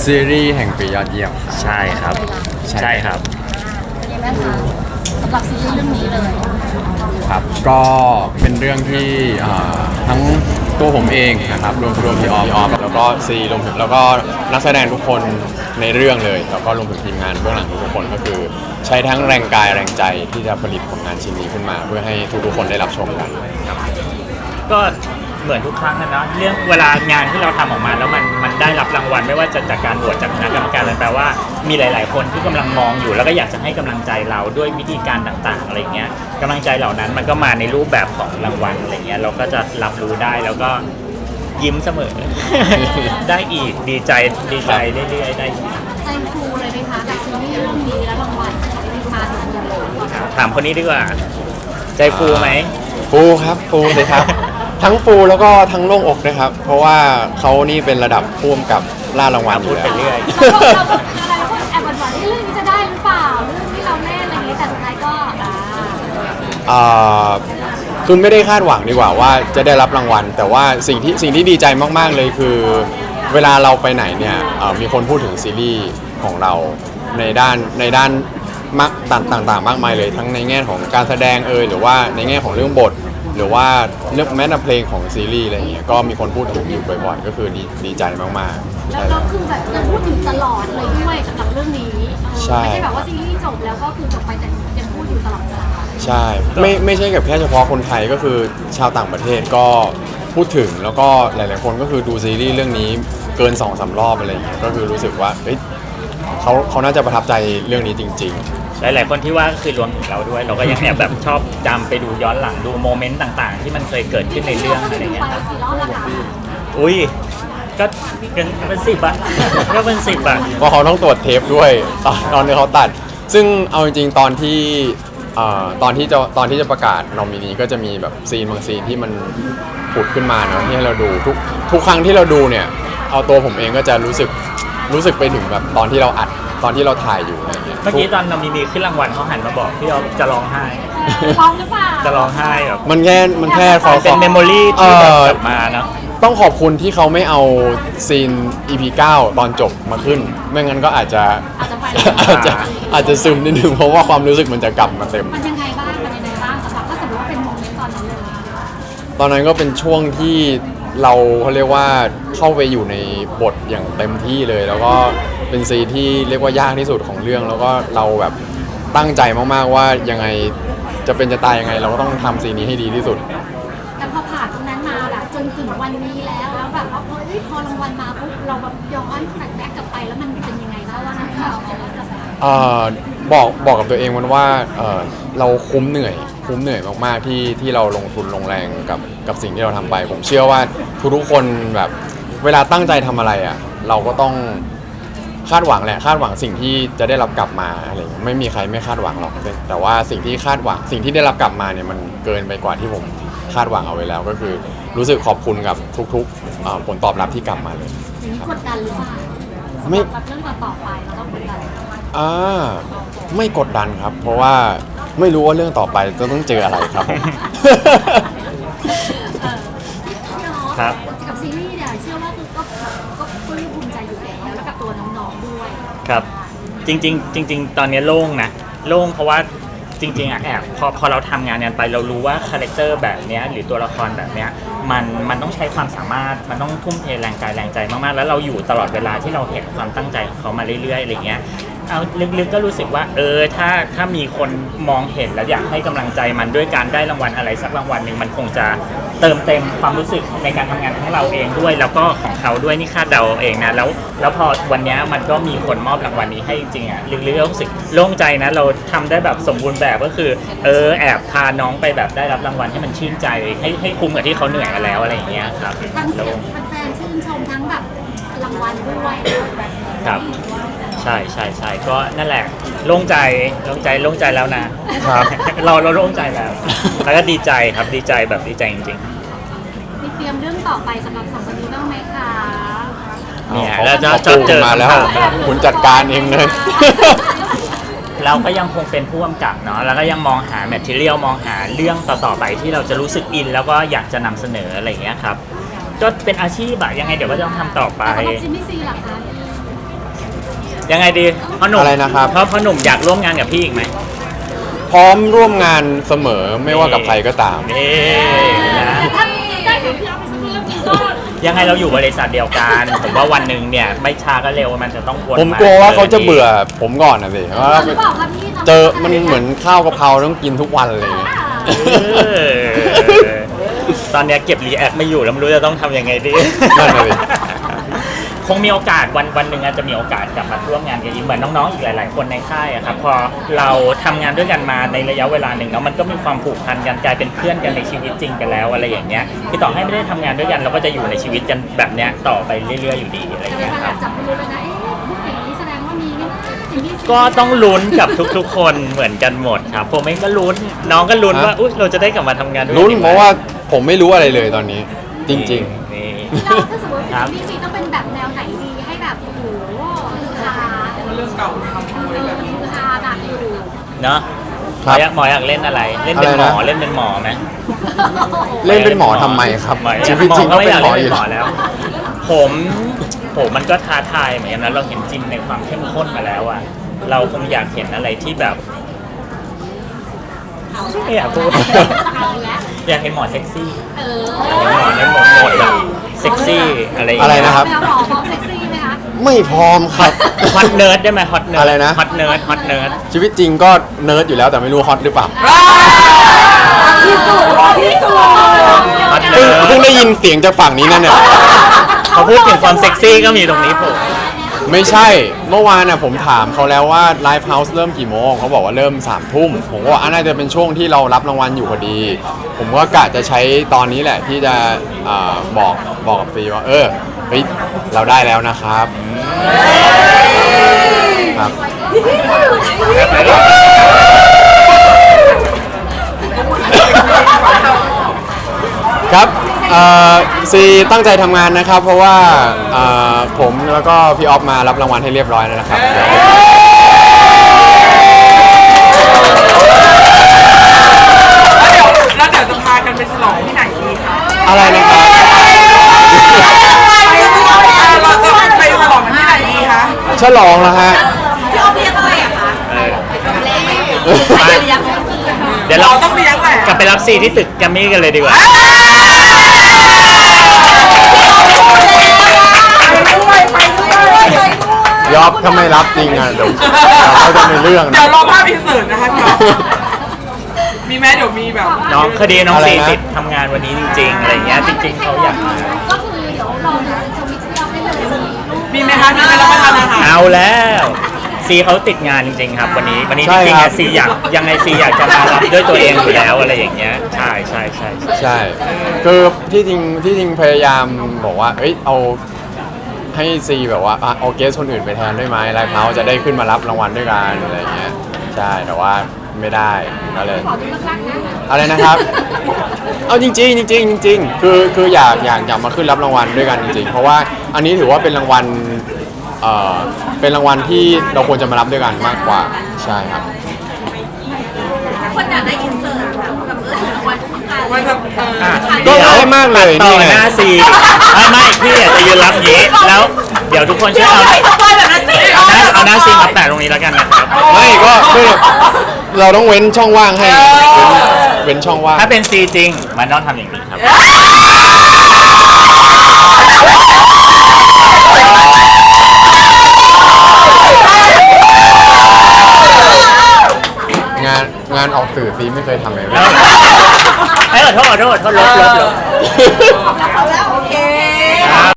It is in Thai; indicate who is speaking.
Speaker 1: ซีรีส์แห่งปียอดเยี่ยม
Speaker 2: ใช่ครับใช่ครับ
Speaker 3: เป็นยังไงบ้างคะสำหรับซีรีส์เรื่องนี้เลย
Speaker 1: ครับก็เป็นเรื่องที่ทั้งตัวผมเองนะครับรวมพี่ออฟแล้วก็ซีรวมถึงแล้วก็นักแสดงทุกคนในเรื่องเลยแล้วก็รวมถึงทีมงานเบื้องหลังทุกคนก็คือใช้ทั้งแรงกายแรงใจที่จะผลิตผลงานชิ้นนี้ขึ้นมา เพื่อให้ทุกคนได้รับชมกันครับ
Speaker 2: ก็เหมือนทุกครั้งนะเรื่องเวลางานที่เราทำออกมาแล้วมันได้รับรางวัลไม่ว่าจะจากการโหวตจากคณะกรรมการอะไรแปลว่ามีหลาย ๆ คนที่กำลังมองอยู่แล้วก็อยากจะให้กำลังใจเราด้วยวิธีการต่าง ๆ อะไรเงี้ยกำลังใจเหล่านั้นมันก็มาในรูปแบบของรางวัลอะไรเงี้ยเราก็จะรับรู้ได้แล้วก็ยิ้มเสมอ ได้อีกดีใจเรื่อยๆได้อีก
Speaker 3: ใจฟูเลยไหมคะกับซีรีส์เรื่องนี้และรางวัลที่มาถึงเดือนเลย
Speaker 2: ถามคนนี้ดีกว่าใจฟูไหม
Speaker 1: ฟูครับฟูเลยครับ ทั้งฟูแล้วก็ทั้งโล่งอกนะครับ เพราะว่าเขานี่เป็นระดับพ่วงกับล่ารางวัลอ
Speaker 2: พู
Speaker 1: ยู่
Speaker 2: ด
Speaker 1: แล้
Speaker 2: ไป
Speaker 1: ว
Speaker 2: เรื่อย
Speaker 3: เราก็อะไรก็แอบหวั่นๆเรื่องนี้จะได้หรือเปล่าเรื่องที่เราเล่นอะไรอย่างนี้แต่สุดท้ายก็
Speaker 1: คือไม่ได้คาดหวังดีกว่าว่าจะได้รับรางวัล แต่ว่าสิ่งที่ดีใจมากๆเลยคือเวลาเราไปไหนเนี่ยมีคนพูดถึงซีรีส์ของเราในด้านต่างๆมากมายเลยทั้งในแง่ของการแสดงหรือว่าในแง่ของเรื่องบท หรือว่าเรื่องแม้แต่เพลงของซีรีส์อะไรอย่างเงี้ยก็มีคนพูดถึงอยู่บ่อยๆก็คือดีใจมากๆ
Speaker 3: แล้วก็คือแบบยังพูดถึงตลอดเลยด้วยสำหรับเรื่องนี้
Speaker 1: ใช่
Speaker 3: ไม่ใช่แบบว่าซีรีส์จบแล้วก็คือจบไปแต่ยังพูดอยู่ตลอดเวลา
Speaker 1: ใช่ไม่ใช่กับแค่เฉพาะคนไทยก็คือชาวต่างประเทศก็พูดถึงแล้วก็หลายๆคนก็คือดูซีรีส์เรื่องนี้เกิน 2-3 รอบอะไรอย่างเงี้ยก็คือรู้สึกว่าเฮ้ยเขาน่าจะประทับใจเรื่องนี้จริง
Speaker 2: หลายๆคนที่ว่าก็คือรวมถึงเราด้วย เราก็ยังแอบแบบชอบจำไปดูย้อนหลังดูโมเมนต์ต่างๆ ที่มันเคยเกิดขึ้นในเรื่องอะไรเงี้ยครับ
Speaker 3: กี่รอบแล้วคะ
Speaker 2: อุ้ยก็เป็น10อะก็เป็น10อะ
Speaker 1: ๆเพราะเขาต้องตรวจเทปด้วยตอนที่เขาตัด ซึ่งเอาจริงๆตอนที่จะประกาศนอมินีก็จะมีแบบซีนบางซีนที่มันผุดขึ้นมาเนาะที่ให้เราดูทุกครั้งที่เราดูเนี่ยเอาตัวผมเองก็จะรู้สึกไปถึงแบบตอนที่เราอัดตอนที่เราถ่ายอยู่อะไรอย่างเงี้ย
Speaker 2: เมื่อกี้ตอนนอมินีขึ้นรางวัลเขาหันมาบอกพี่อ๊อฟจะร้องไห้
Speaker 3: ร้องหรือเปล่า
Speaker 2: จะร้องไห้แบบ
Speaker 1: มันแค่ขอ
Speaker 2: เป็นเมมโมรี่ที่แบบกลับมาเนาะ
Speaker 1: ต้องขอบคุณที่เขาไม่เอาซีน EP 9 ตอนจบมาขึ้น ไม่งั้นก็อาจจะ
Speaker 3: ไป
Speaker 1: อาจจะซึมนิดนึงเพราะว่าความรู้สึกมันจะกลับมาเต็ม
Speaker 3: มันยังไงบ้างสำหรับถ้าสมมติว่าเป็นโมเมนต์ตอนนั้นเลย
Speaker 1: ตอนนั้นก็เป็นช่วงที่เขาเรียกว่าเข้าไปอยู่ในบทอย่างเต็มที่เลย แล้วก็เป็นซีนที่เรียกว่ายากที่สุดของเรื่อง แล้วก็เราแบบตั้งใจมากๆว่ายังไงจะเป็นจะตายยังไง เราก็ต้องทำซีนนี้ให้ดีที่สุด
Speaker 3: แต่พอผ่านตรงนั้นมาแบบจนถึงวันนี้แล้วแบบว่าพอรางวัลมาปุ๊บเราแบบย้อนแบ็กกลับไปแล้วมันเป็นยังไงบ้างว่านั้นเรา
Speaker 1: บอกกับตัวเองมันว่าเราคุ้มเหนื่อยมากๆที่เราลงทุนลงแรงกับสิ่งที่เราทำไป ผมเชื่อว่าทุกๆคนแบบเวลาตั้งใจทำอะไรอ่ะเราก็ต้องคาดหวังสิ่งที่จะได้รับกลับมาอะไรอย่างเงี้ยไม่มีใครไม่คาดหวังหรอกแต่ว่าสิ่งที่คาดหวังสิ่งที่ได้รับกลับมาเนี่ยมันเกินไปกว่าที่ผมคาดหวังเอาไว้แล้วก็คือรู้สึกขอบคุณกับทุกๆผลตอบรับที่กลับมาเลย
Speaker 3: อย่างนี้กดดันหรือเปล่า
Speaker 1: ไม่
Speaker 3: แบบเรื่องต่อไปเราต้องกดดัน
Speaker 1: ไม่กดดันครับ เพราะว่าไม่รู้ว่าเรื่องต่อไปจะต้องเจออะไรครับผม
Speaker 2: ครับ
Speaker 3: กับซีรีส์เนี่ยเชื่อว่าคือก็ภูมิใจอยู่แล้วกับตัวน้องๆด้วย
Speaker 2: ครับจริงๆตอนนี้โล่งนะโล่งเพราะว่าจริงๆอะแอบพอเราทำงานไปเรารู้ว่าคาแรคเตอร์แบบเนี้ยหรือตัวละครแบบเนี้ยมันต้องใช้ความสามารถมันต้องทุ่มเทแรงกายแรงใจมากๆแล้วเราอยู่ตลอดเวลาที่เราเห็นความตั้งใจของเขามาเรื่อยๆอะไรเงี้ยเอาลึกๆก็รู้สึกว่าถ้ามีคนมองเห็นแล้วอยากให้กำลังใจมันด้วยการได้รางวัลอะไรสักรางวัลหนึ่งมันคงจะเติมเต็มความรู้สึกในการทำงานของเราเองด้วยแล้วก็ของเขาด้วยนี่คาดเดาเองนะแล้วพอวันนี้มันก็มีคนมอบรางวัลนี้ให้จริงๆอ่ะลึกๆก็รู้สึกโล่งใจนะเราทำได้แบบสมบูรณ์แบบก็คือแอบพาน้องไปแบบได้รับรางวัลให้มันชื่นใจให้คุ้มกับที่เขาเหนื่อยมาแล้วอะไรอย่างเงี้ยครับ
Speaker 3: ทั้งเสียงแฟนๆชื่นชมทั้งแบบรางวัลด้วย
Speaker 2: ครับใช่ก็นั่นแหละโล่งใจแล้วนะครับ เราโล่งใจแล้วแล้วก็ดีใจครับดีใจแบบดีใจจริงๆ
Speaker 3: มีเตรียมเรื่องต่อไปสำหรับสองคนนี้บ้างไหมคะ
Speaker 2: เนี่ย
Speaker 1: ขา
Speaker 2: แล้วจะ
Speaker 1: ขาปู
Speaker 2: เจอ
Speaker 1: มาแล้ว คุณจัดการเองเลย
Speaker 2: เราก็ยังคงเป็นผู้กำกับเนาะแล้วก็ยังมองหาแมทเทียลมองหาเรื่องต่อๆไปที่เราจะรู้สึกอินแล้วก็อยากจะนำเสนออะไรอย่างเงี้ยครับก็เป็นอาชีพอะยังไงเดี๋ยวก็ต้องทำต่อไป
Speaker 3: แต่สำหรับจิมมี่ซีล่ะคะ
Speaker 2: ยังไงดีพ่อหนุ่ม
Speaker 1: อะไรนะครับ
Speaker 2: พ่อหนุ่มอยากร่วมงานกับพี่อีกไหม
Speaker 1: พร้อมร่วมงานเสมอไม่ว่ากับใครก็ตาม
Speaker 2: นี่นะ
Speaker 3: ถ้าได้กับพี่เอาไปสักเรื่องหนึงก็
Speaker 2: ยังไงเราอยู่บริษัทเดียวกัน ผมว่าวันหนึ่งเนี่ยไม่ช้าก็เร็วมันจะต้องวน
Speaker 1: ผมกลัวว่าเขาจะเบื่อผมก่อนนะสิเพราะว่า
Speaker 3: หรือเปล่าครับพี่
Speaker 1: เจอมันเหมือนข้าวกะเพราต้องกินทุกวันเลย
Speaker 2: เออตอนเนี้ยเก็บรีแอคไม่อยู่แล้วไม่รู้จะต้องทำยังไงดี
Speaker 1: นั่นน่ะสิ
Speaker 2: คงมีโอกาสวันหนึ่งอาจจะมีโอกาสกลับมาร่วมงานกันอีกเหมือนน้องๆอีกหลาย ๆ คนในค่ายอะครับพอเราทำงานด้วยกันมาในระยะเวลาหนึ่งแล้วมันก็มีความผูกพันกันกลายเป็นเพื่อนกันในชีวิตจริงกันแล้วอะไรอย่างเงี้ยคือต่อให้ไม่ได้ทำงานด้วยกันเราก็จะอยู่ในชีวิตกันแบบเนี้ยต่อไปเรื่อย ๆ อยู่ดีอะไรอย่าง
Speaker 3: แต่
Speaker 2: เงี้ย
Speaker 3: ว่า
Speaker 2: ครับ
Speaker 3: จับไปรู้แล้วนะเอ๊ะพูดอย่างนี้แสดงว่ามีไม่น่าสิ่งที่
Speaker 2: ก็ต้องลุ้นกับทุกๆ คนเหมือนกันหมดครับผมเองก็ลุ้นน้องก็ลุ้นว่าอุ๊ยเราจะได้กลับมาทำงานด้วยกั
Speaker 1: ลุ้น
Speaker 2: อีกไหม
Speaker 1: เพราะว่าผมไม่รู้อะไรเลยตอนนี้ จริง
Speaker 2: นี่
Speaker 3: เราถ้าสมมติ
Speaker 2: ครับ
Speaker 3: พี่ซีต้องเป็นแบบแนวไหนดีให้แบบโอ้โหฮือฮาเรื่องเก่าทำฮือฮาหนักอยู่
Speaker 2: เนาะ
Speaker 1: ๆ ครับ
Speaker 2: หมออยากเล่นอะไร เล่นเป็นหมอ
Speaker 1: อะไรนะ
Speaker 2: เล่นเป็นหมอไหม
Speaker 1: เล่นเป็นหมอทำไมครับ ชีวิตจริงก็เป็นหมออยู่
Speaker 2: แล้ว ผมมันก็ท้าทายเหมือนกันนะเราเห็นจิมในความเข้มข้นมาแล้วอะเราคงอยากเห็นอะไรที่แบบไม่อยากพูด
Speaker 3: เอาแล้ว
Speaker 2: อยากเห็นหมอเซ็กซี่
Speaker 3: เออ
Speaker 2: อยากเห็นหมอในโหมดแบบเซ็กซี่อะไรอย่าง
Speaker 1: อะไร
Speaker 2: เงี้ย
Speaker 1: นะครับ
Speaker 3: แนวหมอพร้อมเซ็กซี่ไหมคะ
Speaker 1: ไม่พร้อมครับ
Speaker 2: ฮอตเนิร์ดได้ไหมฮอตเนิร์ด
Speaker 1: อะไรนะ
Speaker 2: ฮอตเนิร์ดฮอตเนิร์ด
Speaker 1: ชีวิตจริงก็เนิร์ดอยู่แล้วแต่ไม่รู้ฮอตหรือเปล่า
Speaker 3: ที่สุดที่สุด
Speaker 2: ฮอต
Speaker 1: เพิ่
Speaker 2: เนิ
Speaker 1: ง
Speaker 2: ร์ด
Speaker 1: เพิ่งได้ยินเสียงจากฝั่งนี้นั่นเนี่ย
Speaker 2: เขาพูดถึงความเซ็กซี่ก็มีตรงนี้ผม
Speaker 1: ไม่ใช่ เมื่อวานน่ะผมถามเขาแล้วว่าไลฟ์เฮาส์เริ่มกี่โมงเขาบอกว่าเริ่ม3 ทุ่ม ผมก็ว่าน่าจะเป็นช่วงที่เรารับรางวัลอยู่พอดี ผมก็กะจะใช้ตอนนี้แหละที่จะบอกกับฟีว่าเฮ้ยเราได้แล้วนะครับครับ ครับซีตั้งใจทำงานนะครับ เพราะว่าผมแล้วก็พี่ออฟมารับรางวัลให้เรียบร้อยแล้วนะครับ
Speaker 4: แล้วเดี๋ยวจะพากันไปฉลองที่ไหนดีคะ
Speaker 1: อะไรนะครับ
Speaker 4: เราจะไปฉลองกันที่ไหนดีคะ
Speaker 1: ฉลองแล้วฮะ
Speaker 3: พี่อ้อมเรียกอะไรอะคะ
Speaker 2: เดี๋ยวเรา
Speaker 4: เราต้องเลี้ยงแหละ
Speaker 2: กลับไปรับซีที่ตึกแกรมมี่กันเลยดีกว่า
Speaker 1: ยอบถ้าไม่รับจริงอ่ะเดี๋ยวเขาจะมีเรื่อง
Speaker 4: เดี๋ย
Speaker 1: นะ
Speaker 4: วรอภาพอินเสิร์ตนะคะพี่อ๊อฟมีไหมเดี๋ยวมีแบบ
Speaker 2: น้องคดีน้อง
Speaker 1: อะไร
Speaker 2: ซี
Speaker 1: นะ
Speaker 2: ติดทำงานวันนี้จริง ๆ อะไรอย่างเงี้ยจริง ๆเขาอยากมา
Speaker 3: ก็คือเดี๋ยวรอดูทวิตที่เราได้เลยมีรูป
Speaker 4: มีไหมคะมีไหมรับประทานอาหาร
Speaker 2: เอาแล้วซีเขาติดงานจริง ๆ ครับ วันนี้จ
Speaker 1: ใช่
Speaker 2: ริง
Speaker 1: ค
Speaker 2: ๆ
Speaker 1: รั
Speaker 2: อะ
Speaker 1: บ
Speaker 2: ซีอยากยังไงซีอยากจะมารับด้วยตัวเองอยู่แล้วอะไรอย่างเงี้ยใช่ใช่ใช่ใช่
Speaker 1: ใช่ คือที่จริงพยายามบอกว่า เอ้ยเอาให้ซีแบบว่าเอาเกสคนอื่นไปแทนได้ไหมไลฟ์เฮาส์จะได้ขึ้นมารับรางวัลด้วยกันอะไรอย่างเงี้ย ใช่ แต่ว่าไม่ได้ก็เลย
Speaker 3: ขอดูรักๆนะ
Speaker 1: อะไรนะครับ เอาจริงๆจริงๆจริงๆคืออยากมาขึ้นรับรางวัลด้วยกันจริงๆ เพราะว่าอันนี้ถือว่าเป็นรางวัลเป็นรางวัลที่เราควรจะมารับด้วยกันมากกว่า ใช่ครับ
Speaker 3: คนอยากได้อินเสิร์ตแบบกับรางวัลทุกการ
Speaker 4: มันจะ
Speaker 2: อ่ะ
Speaker 1: ก็
Speaker 2: เดี๋ยว
Speaker 1: ง่ายมากเลย
Speaker 2: ต่
Speaker 1: นี่
Speaker 2: อ
Speaker 1: ไง
Speaker 2: หน้าซีไม่พี่อยากจะยืนรับอย่างนี้แล้วเดี๋ยวทุกคนช่วยเอาเอาหน้าซีมาแปะตรงนี้แล้วกันนะครับ
Speaker 1: ไม่ก็เราต้องเว้นช่องว่างให้ เว้นช่องว่าง
Speaker 2: ถ้าเป็นซีจริงมันต้องทำอย่างนี้ครับ
Speaker 1: งานออกสื่อซีไม่เคยทำเลย
Speaker 2: แล้วให้ขอโทษลบ
Speaker 3: เอาแล้วโอเค